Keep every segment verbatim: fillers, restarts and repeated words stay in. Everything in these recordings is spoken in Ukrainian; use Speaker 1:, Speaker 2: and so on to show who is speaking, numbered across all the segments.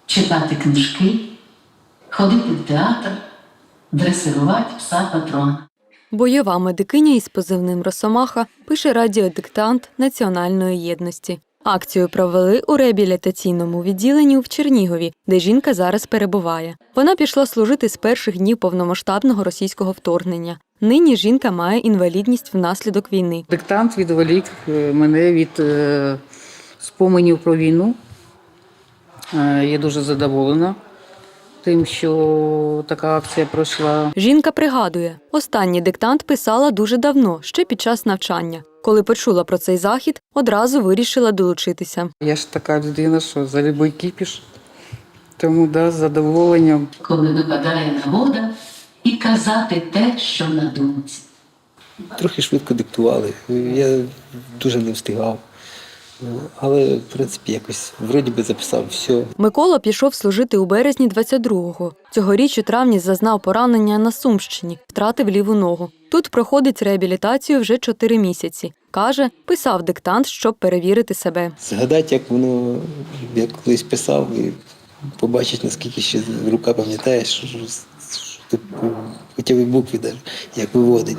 Speaker 1: читати книжки, ходити в театр, дресирувати пса патрона.
Speaker 2: Бойова медикиня із позивним «Росомаха» пише радіодиктант Національної єдності. Акцію провели у реабілітаційному відділенні в Чернігові, де жінка зараз перебуває. Вона пішла служити з перших днів повномасштабного російського вторгнення. Нині жінка має інвалідність внаслідок війни.
Speaker 3: Диктант відволік мене від е, споменів про війну. Е, я дуже задоволена тим, що така акція пройшла.
Speaker 2: Жінка пригадує, останній диктант писала дуже давно, ще під час навчання. Коли почула про цей захід, одразу вирішила долучитися.
Speaker 3: Я ж така людина, що за любий кіпіш, тому да, з задоволенням.
Speaker 1: Коли випадає нагода, і казати те, що на думці.
Speaker 4: Трохи швидко диктували, я дуже не встигав. Але, в принципі, якось вроді би записав все.
Speaker 2: Микола пішов служити у березні двадцять другого. Цьогоріч у травні зазнав поранення на Сумщині, втратив ліву ногу. Тут проходить реабілітацію вже чотири місяці. Каже, писав диктант, щоб перевірити себе.
Speaker 4: Згадати, як воно, як колись писав, і побачити, наскільки ще рука пам'ятає, що, що, що тут хоча б букви, даже, як виводить.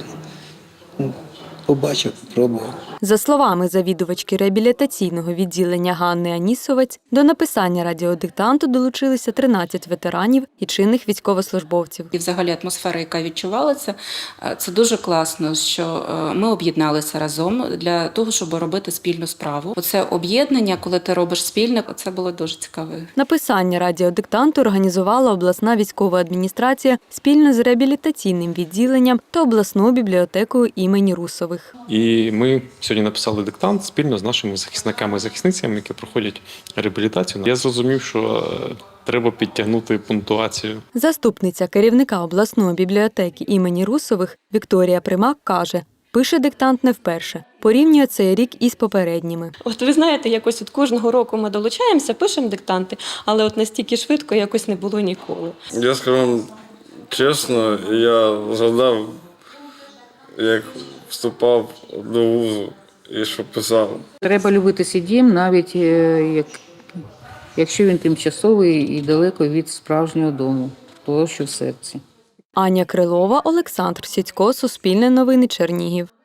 Speaker 4: Побачив, пробував.
Speaker 2: За словами завідувачки реабілітаційного відділення Ганни Анісовець, до написання радіодиктанту долучилися тринадцять ветеранів і чинних військовослужбовців.
Speaker 5: І взагалі атмосфера, яка відчувалася, це дуже класно, що ми об'єдналися разом для того, щоб робити спільну справу. Оце об'єднання, коли ти робиш спільне, це було дуже цікаво.
Speaker 2: Написання радіодиктанту організувала обласна військова адміністрація спільно з реабілітаційним відділенням та обласною бібліотекою імені Русових.
Speaker 6: І ми сьогодні написали диктант спільно з нашими захисниками і захисницями, які проходять реабілітацію. Я зрозумів, що треба підтягнути пунктуацію.
Speaker 2: Заступниця керівника обласної бібліотеки імені Русових Вікторія Примак каже, пише диктант не вперше. Порівнює цей рік із попередніми.
Speaker 7: От ви знаєте, якось от кожного року ми долучаємося, пишемо диктанти, але от настільки швидко якось не було ніколи.
Speaker 8: Я скажу вам чесно, я згадав, як вступав до вузу і що писав.
Speaker 3: Треба любити свій дім, навіть е, як, якщо він тимчасовий і далеко від справжнього дому, того, що в серці.
Speaker 2: Аня Крилова, Олександр Сідько, Суспільне новини, Чернігів.